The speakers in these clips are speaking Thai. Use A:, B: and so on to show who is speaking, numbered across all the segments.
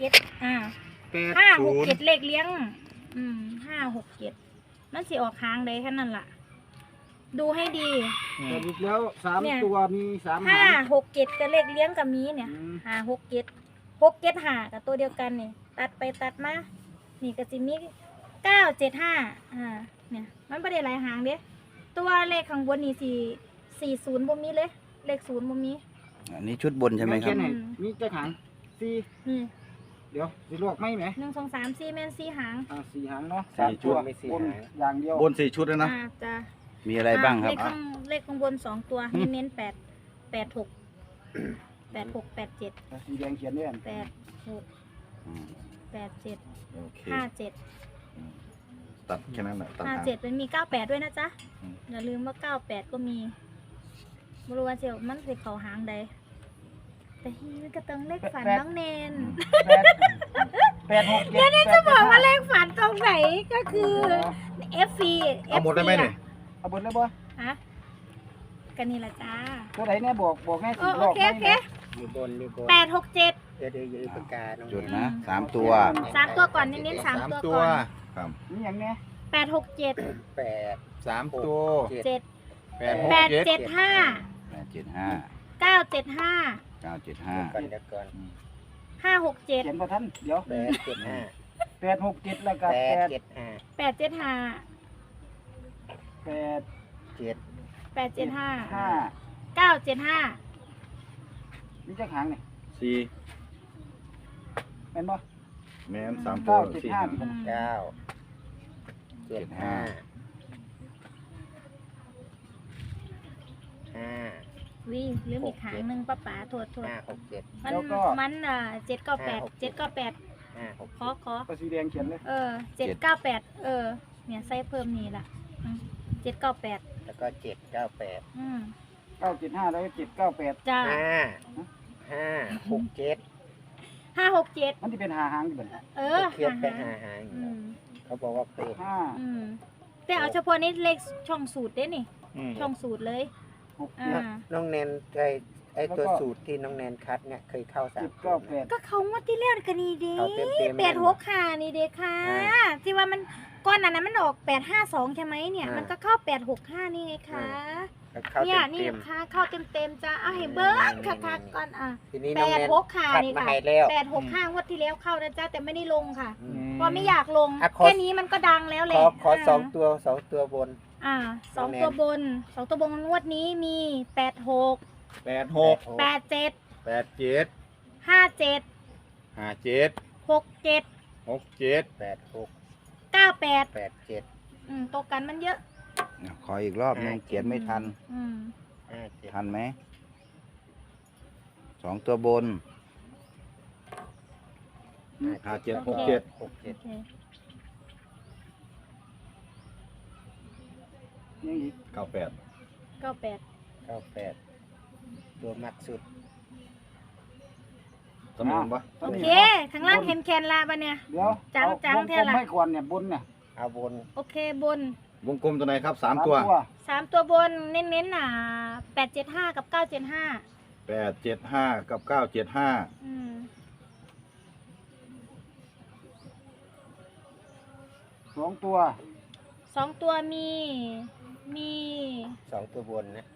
A: จ็ด5 6 7เลขเลี้ยง5 6 7มันสิออกค้างได้แค่นั้นล่ะดูให้ดี
B: แต่อีกแล้ว3ตัวมี3
A: 5 6 7กับเลขเลี้ยงกับมีเนี่ย5 6 7 6 7 5กับตัวเดียวกันนี่ตัดไปตัดมานี่ก็สิมี9 7 5เนี่ยมันไม่ได้หลายหางเด้ตัวเลขข้างบนนี่40บ่มีเลยเลข0บ่มี
C: อันนี้ชุดบนใช่ไหมครับ
B: มีจะหาง4
A: นี่
B: เดี๋ยวสิลวกไหม1
A: 2 3 4แม่น4หาง
B: 4หางเนาะ3ชุดไม่4หางอย่างเดียว
D: บน4ชุดแล้วนะ
A: จ้ะ
C: มีอะไรบ้างครับ
A: เลขข้างบน2ตัวเน้น8 8 6 8 6 8 7
B: สีแดงเขียนเนี่ย
A: 8 6 8 7
D: โอเค
A: 5 7
D: ตัดแค่นั้นแหละตัด
A: 57มันมี98ด้วยนะจ๊ะอย่าลืมว่า98ก็มีบริวารเจียวมันเป็นเขาหางใดแต่ฮีมันก็ต้องเลขฝันน้องเนน
B: 8 6 7
A: เนนจะบอกว่าเลขฝันตรงไหนก็คือ FC
D: เอาหมดได้ไหมเนี่ย
B: เอาบนเลยบ่
A: ฮะกันนี่ละจ้า
B: ตัวไหนเนี่ยบอกแม่สิ
A: โอเค
E: อยู่บน
A: 8 6 7
E: เดี๋ยวปากกา
C: จุดนะ3ตัว
A: 3ตัวก่อนเน้น3ตัวก่อน
D: ครับ
B: นี่อย่างเนี้ย
A: 8 6 7
E: 8
D: 3ตัว
A: 7
D: 8
A: 8 7 5
C: 8 7 5
A: 9 7 5
C: 9 7 5
E: ก่อนเดี๋ยวก่อน
A: 5 6 7
B: เขียนบ่ทันเดี๋ยว8 6 7แล้วก็
E: 8 7 5
A: 8 7 5
B: 8
A: 8 7 5
B: 5
A: 9 7 5
B: มีจักหางนี่
D: 4
B: แม่นบ่
D: แม่น3ตัว4
B: 9 7 5
E: 9 7 5 5
A: วิหรือมีขางหนึ่งป้าป๋าโทษ
E: 5 6 7
A: มัน7 9 8 7 9 8
E: 5 6
A: ขอ
B: ก็สีแดงเขียนเลย
A: 7 9 8เนี่ยใส่เพิ่มนี่ล่ะ7 9 8
E: แล้วก็7 9 8
B: 9 7 5แล้วก็7 9 8
A: จ้า
E: 5 6 7
A: 5 6 7
B: มันจะเป็น5หางอยู่บ่
E: เขียนไป5หางเขาบอกว่าเป็น
A: แต่เอาเฉพาะนี้เลขช่องสูตรเด้นี่ช่องสูตรเลย
E: น้องแนนไอตัวสูตรที่น้องแนนคัดเนี่ยเคยเข้า3
B: 9 8
A: ก็เขางวดที่แล้วกันนี่เด้8 6ค่ะนี่เด้ค่ะที่ว่ามันก้อนนั้นมันออก852ใช่ไหมเนี่ยมันก็เข้า865นี่ไงคะเนี่ยนี่ค่ะเข้าเต็มจ้าเอาให้เบิ้งค่ะก่อน
E: ทีนี้น้องแนน
A: ค่ะนี่ค่ะ865งวดที่แล้วเข้านะจ้าแต่ไม่ได้ลงค่ะเพราะไม่อยากลงแค่นี้มันก็ดังแล้วเลย
E: ขอ2 ตัวบน
A: 2 ตัวบน2 ตัวบนงวดนี้มี8 6
D: 8 6
A: 8 7
D: 8 7
A: 5 7
D: 5 7
A: 6 7
D: 6 7
E: 8 6
A: 9 8
E: 8 7
A: ตัวกันมันเยอะ
C: ขออีกรอบนึงเขียนไม่ทันทันไหม2ตัวบน
D: 5 7 6 7
E: 6 7
B: ยังอีก
D: 98
E: ตัวมักสุด
D: ตำแหน่งปะ
A: โอเคข้างล่างเห็นแคนลาปะเนี่ย
B: เดี๋ยวจังเท่าไหร่ไม่ควรเนี่ยบนเนี่ย
E: เอาบน
A: โอเคบน
D: วงกลมตัวไหนครับ3ตัว
A: 3ตัวบนเน้น8 7 5กับ9 7 5
D: 8 7 5กับ9 7 5
B: 2ตัว
A: 2ตัวมี
E: 2ตัวบนนะ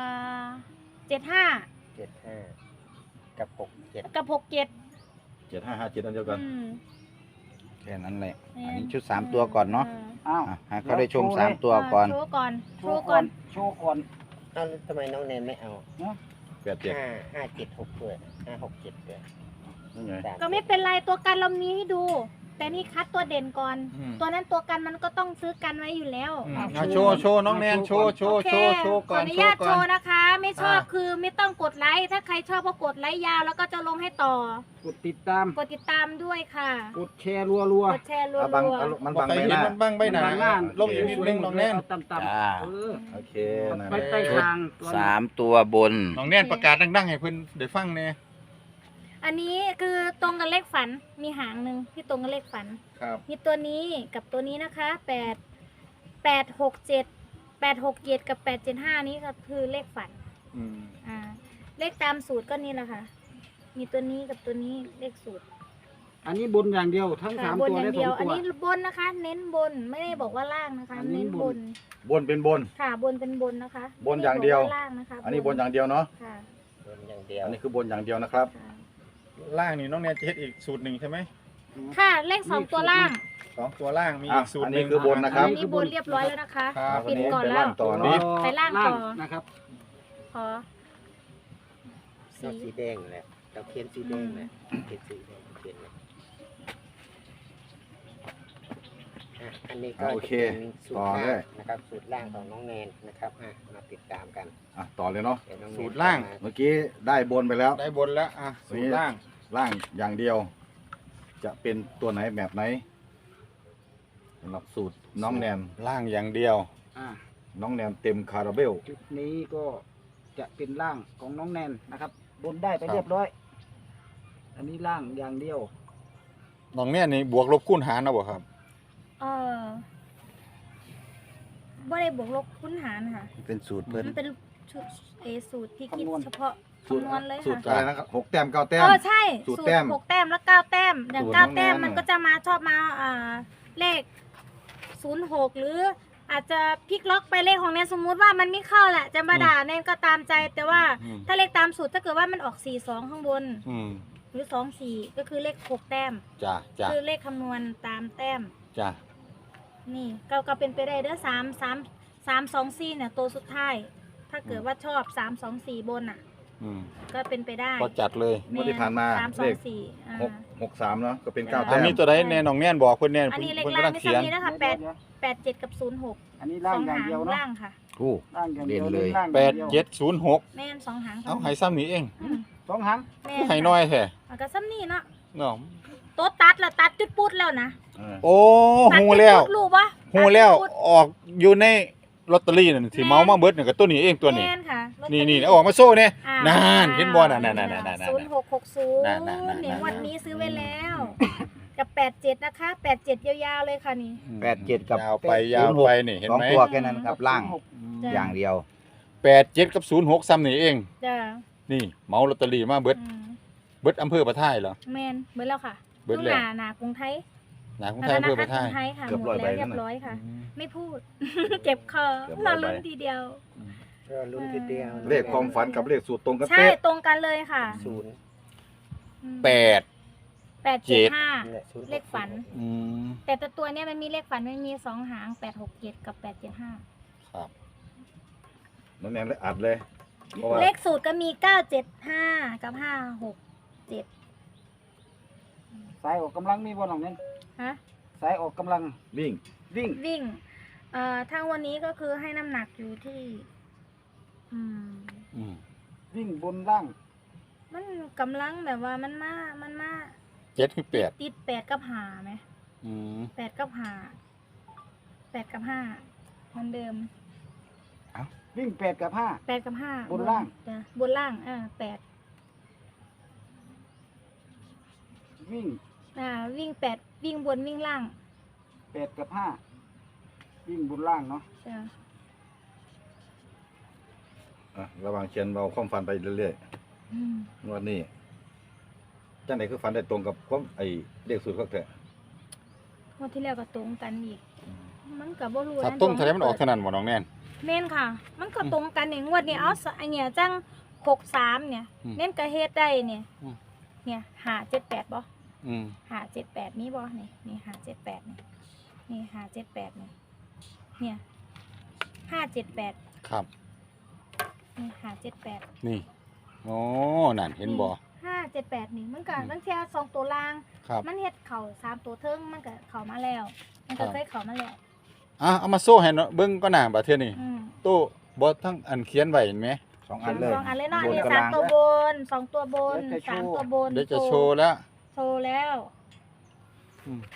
A: 75
E: กับ6 7
A: กับ6 7
D: 7 5 5 7อันเดียวกัน
C: แค่นั้นแหละอันนี้ชุด3ตัวก่อนเนาะให้เขาได้ชม3ตัวก่อน
A: โชว์ก่อน
E: ทำไมน้องแนนไม่เอา
D: 8 7
E: 5 7 6ด้วย5 6 7ด้วย
A: ก็ไม่เป็นไรตัวกันเรามีให้ดูแต่นี่คัดตัวเด่นก่อนตัวนั้นตัวกันมันก็ต้องซื้อกันไว้อยู่แล้ว
D: โชว์น้องแนนโชว์ก่อน
A: ขออนุญาตโชว์นะคะไม่ชอบคือไม่ต้องกดไลค์ถ้าใครชอบก็กดไลค์ยาวแล้วก็จะลงให้ต่อก
B: ดติดตาม
A: ด้วยค่ะ
B: กดแชร์รัว
A: กดแชร์รัว
D: มันบังใบหน้ามันบังใบหน้าลงอีกนิดนึงน้องแนน
B: ต่ำ
D: โอเค
B: ไปใต้ทาง
C: 3ตัวบน
D: น้องแนนประกาศดังๆให้เพื่อนได้ฟังเนี่ย
A: อันนี้คือตรงกับเลขฝันมีหางหนึ่งที่ตรงกับเลขฝันมีตัวนี้กับตัวนี้นะคะ8 6 7 กับ8 7 5นี้ก็คือเลขฝันเลขตามสูตรก็นี่แหละค่ะมีตัวนี้กับตัวนี้เลขสูตร
B: อันนี้บนอย่างเดียวทั้ง
A: ค่ะ
B: สาม
A: บน
B: ตัว
A: อย่า
B: และ
A: ง
B: ส
A: เดี
B: อ
A: ยว
B: ง
A: อัน
B: ตัว
A: นี้บนนะคะ เน้นบนไม่ได้บอกว่าล่างนะคะ
B: อันนี้
A: เน้น
B: บบ น
A: น
C: บนเป็นบน
A: ค่ะบนเป็นบนนะคะ
C: บนอย่างเดียว
A: ไม่ไบอกล่างนะคะ
C: อันนี้บนอย่างเดียวเนาะ
A: ค่ะ
E: บนอย่างเดียว
C: อันนี้คือบนอย่างเดียวนะครับ
A: ค่ะ
D: ล่างนี่น้องแนนจะเฮ็ดอีกสูตรหนึ่งใช่ไหม
A: ค่ะเลขสองตัวล่าง
D: 2 ตัวล่างมี
C: อ่ะ
D: อีกสูตร
C: อัน
D: ห
C: นี้
D: นึ่ง
C: คือบนนะครับ
A: อันนี้บนเรียบร้อยแล้วนะคะ
D: ครับ
A: ปิดก่อน
C: ไป
A: แล้
C: ล่าว งต่อเนาะ
A: ไปล่างต่อ
B: นะครับ
A: ขอ
E: ชอบสีแดงแหละเราเขียนสีแดงแหละเขียนสีแดงเขียนเลยอันนี้ก็
C: โอ
E: จะ
C: เค
E: เป็นสูต
C: ต่
E: ร
C: อ
E: ล่า
C: ได้
E: งนะครับสูตรล่างของน้องแนนนะครับมาติดตามกัน
C: อ่ะต่อเลยเนาะ
E: เดี๋ยวน้องแนน
D: สูตรล่าง
C: เมื่อกี้ได้บนไปแล้ว
D: ได้บนแล้วสูตรล่าง
C: ล่างอย่างเดียว จะเป็นตัวไหนแบบไหนสำหรับสูตรน้องแนน
D: ล่างอย่างเดียว
B: อ่า
C: น้องแนนเต็มคาราเบล
B: จุดนี้ก็จะเป็นร่างของน้องแนนนะครับ บนได้ไปเรียบร้อย อันนี้ร่างอย่างเดียว
D: น้องแนนนี่บวกลบคูณหารนะบ่ครับ
A: เออบ่ได้บวกลบคูณหารค่ะ
C: เป็นสูตรเพิ่น
A: มันเป็นชุดสูตรที่คิด
B: คำนวณ
A: เฉพาะ
C: สูตร
A: คำนวณเลย
C: สูตร
A: ค่ะ
C: อะไรนะครับ6 แต้ม 9 แต้ม
A: ใช่
C: สูตรแต้ม
A: 6 แต้มแล้ว9 แต้ม อย่าง
C: สูตร
A: 9 แต้ม
C: น้องแนน
A: มันก็จะมาชอบมาเลข06หรืออาจจะพลิกล็อกไปเลขของแนนสมมุติว่ามันไม่เข้าแหละจะมาด่าแนนก็ตามใจ แต่ว่า
D: อืม
A: ถ้าเลขตามสูตรถ้าเกิดว่ามันออก42ข้างบน
D: อืม
A: หรือ24ก็คือเลข6 แต้ม
D: จ้าจ้า
A: คือเลขคำนวณตามแต้ม
D: จ้า
A: นี่ก็เป็นไปได้เด้อ3 2 4เนี่ยตัวสุดท้าย ถ้าเกิดว่าชอบ3 2 4บนอ่ะ
D: อืม
A: ก็เป็นไปได้
D: ก็จัดเลย
C: งวดที่ผ่านมา
A: 3
C: เลข
A: 2 4
C: 6 3เนาะก็เป็น 9
A: อ่า
C: แต้ม
D: มีตัวใดแน่น้องแนนบอกเพิ่นแน่
A: อันนี้เลข
D: เพิ่น
A: ล่าง
D: กำลัง
A: ไม่
D: เขียน
A: ซ้ำนี้นะคะ
B: เดี๋ยว
A: 8 7 กับ 06
B: อันนี้
A: ส
B: ร่า
A: อง ง
B: อย่าง
A: หาง
B: เดียวเนาะ
A: ล่างค่ะ
C: โอ้
B: ร่างอย่างเดียว
C: เด่นเลย
B: ร่าง
D: แป
B: อย่าง
D: ด
B: เดียว
D: เจ็ดศูนย์หก
A: แม่น2 หาง
D: เอาให้ซ้ำนี้เอง
A: อืม
B: สองหาง
A: แม่
D: ให้น้อยแท้
A: มันก็ซ้ำนี่เนาะ
D: เนาะ
A: ตัวตัดละตัดจุดปุดแล้วนะ
D: โอ้
A: ตัด
D: ฮู้
A: จุด
D: แล้ว
A: ปุดรู้ปะ
D: ฮู้แล้ว
A: ตัดจุดปุด
D: ออกอยู่ในลอตเตอรี่นั่นที่เมามาเบิดนี่ก็ตัวนี้เองตัวนี้
A: แม่นค่ะลอตเตอ
D: นี่
A: รี่
D: นี่เอาออกมาโซ่เนี่ย
A: อ่
D: นานเห็นบ่น่ะนั่น
A: 0660
D: นั่น
A: เนี่ยงวันนี้ซื้อไว้แล้ว กับ87นะคะ87ยาวๆเลยค่ะนี่
C: 87 กับ
D: ยาวไปยาวไปนี่เห็น
C: สอง
D: ไหม
C: ตัวแค่นั้นครับล่าง
A: จ้ะ
C: อย่างเดียว
D: 87กับ06ซ้ำนี่เอง
A: จ้ะ
D: นี่เมาลอตเตอรี่มาเบิด
A: อืม
D: เบิดอำเภอประท่ายเหรอ
A: แมนเบิดแล้วค่ะ
D: เบิด
A: ลูก
D: แล้ว
A: หนากรุงไทย
D: หนาของไทยอำเภอประท่าย
A: กรุงไทยค่ะ
C: เกือบ
A: หม
C: ร้อ
A: ด
C: ย
A: แล้ว
C: ใบ
A: เรีย
C: นั่
A: บ
C: นน่ะ
A: ร้อยค่ะ ไม่พูด เจ็บคอ
C: เกือบ
A: ร
C: ร้
A: อ
C: อยใบ
A: ลุ้นทีเดียว
E: ก็ลุ้นทีเดียว
C: เลขความฝันกับเลขสูตรตรงกัน
A: ใช่
C: เป๊ะ
A: ตรงกันเลยค่ะ
E: ศูนย์
A: อืม
D: 8
A: 875
E: นี่แหละศูนย์
A: เลขฝัน
D: อืม
A: แต่ตัวเนี้ยมันมีเลขฝันมันมี2 หาง867กับ875
D: ครับ
C: น้องแนนเลยอัดเลยเพราะว่า
A: เลขสูตรก็มี975กับ567
B: สายออกกำลังมีบ่น้องเนี่ย
A: ฮะ
B: สายออกกำลัง
C: วิ่ง
B: วิ่ง
A: วิ่งทางวันนี้ก็คือให้น้ำหนักอยู่ที่ อืม
D: อืม
B: วิ่งบนล่าง
A: มันกำลังแบบว่ามันมา
D: 7คือ8
A: ติด8กับ5ไหม
D: อืม
A: 8กับ5 8กับ5เหมือนเดิม
B: วิ่ง8กับ5
A: 8กับ5
B: บนล่าง
A: จ้ะบนล่าง8
B: วิ่ง
A: วิ่ง8วิ่งบนวิ่งล่าง
B: 8กับ5วิ่งบนล่างเนาะ
A: จ้ะ
C: อ่ะระหวังเขียนเราความฝันไปเรื่อย
A: อืม
C: ๆงวดนี้จังไหนคือฝันได้ตรงกับความไอ้เลขสูตรเขาแท้
A: งวดที่แล้วก็ตรงกันอีก มันก็บ่รู้
D: ถ้า
A: นะ
D: ต้มทะเลมันออกเท่านั้นบ่น้องแนน
A: แม่นค่ะ มันก็ตรงกันเนี่ยงวดนี้เอาอันเนี้ยจัง63เนี่ย
D: อืม
A: เน้นก็เฮ็ดได้เนี่ย
D: อืม
A: เนี่ย578บ่
D: อืม
A: 578มีบ่นี่578นี่578เนี่ย578
D: ครับ
A: นี่578
D: นี่โอ้นั่นเห็นบ่
A: 578นี่มันก็ตั้งแต่2ตัวล่าง
D: ครับ
A: มันเฮ็ดเข่า3ตัวเทิงมันก็เข้ามาแล้ว มันก็เคยเข้ามาแล้ว
D: เอามาโซ่ให้เนาะเบิ่งก็หน้าบัดเทื่อนี้
A: อืม
D: ตู้บ่ทั้งอันเขียนไว้เห็นไหม
C: 2 อันเลย
A: สองอันเลยเนาะอันนี้
C: บนกับ
A: 3
C: ล่าง
A: ตัวบน2ตัวบน3ตัวบน
D: เดี๋ยวจะโชว์แล้ว
A: โชว์แล้ว
D: อืม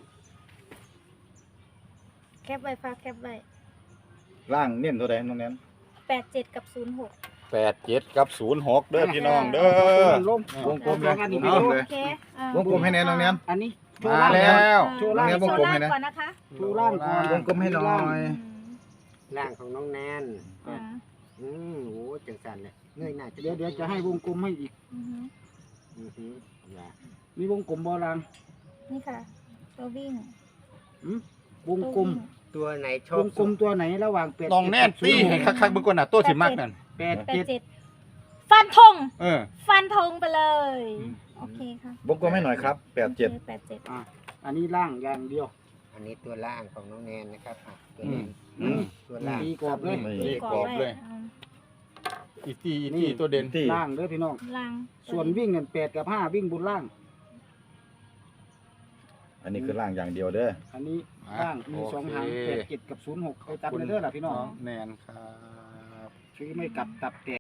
A: แคปไว้ฝากแคปไว้
C: ล่างเน้นเท่าใดน้องแนน
A: 87กับ06
D: 87กับ06เด้อพี่น้องเด้อ
B: ลง
C: วงกลมเลย
B: อันนี้
C: วงกลมเลย
A: โอเคว
C: งกลมให้แนนน้องแนน
B: อันนี้โช
D: มา
B: ว์ล่าง
D: แล้ว
B: โชว์ล่าง
C: วงกลมให้นะ
A: ก่อนนะคะ
B: โชว์ล่างก่อน
C: วงกลมให้หน่อย
E: ล่างของน้องแนน
A: อ่า
E: โอ้จังสันเลยเงยหน้า
B: เดี๋ยวจะให้วงกลมให้อีก
A: อือฮึ
E: อือหืออย่า
B: มีวงกลมบอลาง
A: นี่ค่ะ ตัววิ่ง
B: วงกลม
E: ตัวไหนชอ
B: ว
E: บ
B: งกลมตัวไหนระหว่าง8
D: น้องแน่นตี้ให้คักๆเบิ่งก่อนน่ะตัวที่มักนั่น
B: 8 7
A: 87ฟันธง
D: เออ
A: ฟันธงไปเลย
D: อืม
A: โอเคค่ะ
C: วงกลมให้หน่อยครับ87
A: 87
B: อ่ะอันนี้ล่างอย่างเดียว
E: อันนี้ตัวล่างของน้องแนนนะครับอ่ะตัว
D: อื
E: แน
D: ม
E: น
D: อืม
E: ตัวล่าง
B: ตีกรอบเลย
C: นี่
D: ตีกรอบเลย อีตี้ตัวเด่น
C: ที่
B: ล่างเด้อพี่น้อง
A: ลัง
B: ส่วนวิ่งเนี่ย8 กับ 5 วิ่งบนล่าง
C: อันนี้คือล่างอย่างเดียวเด้อ
B: อันนี้ล่างมี2หาง8 7 กับ 06ไปตัดเลยเด้อล่ะพี่น้อง
D: น้องแนนครับ
B: ชื่อไม่กลับตับแตก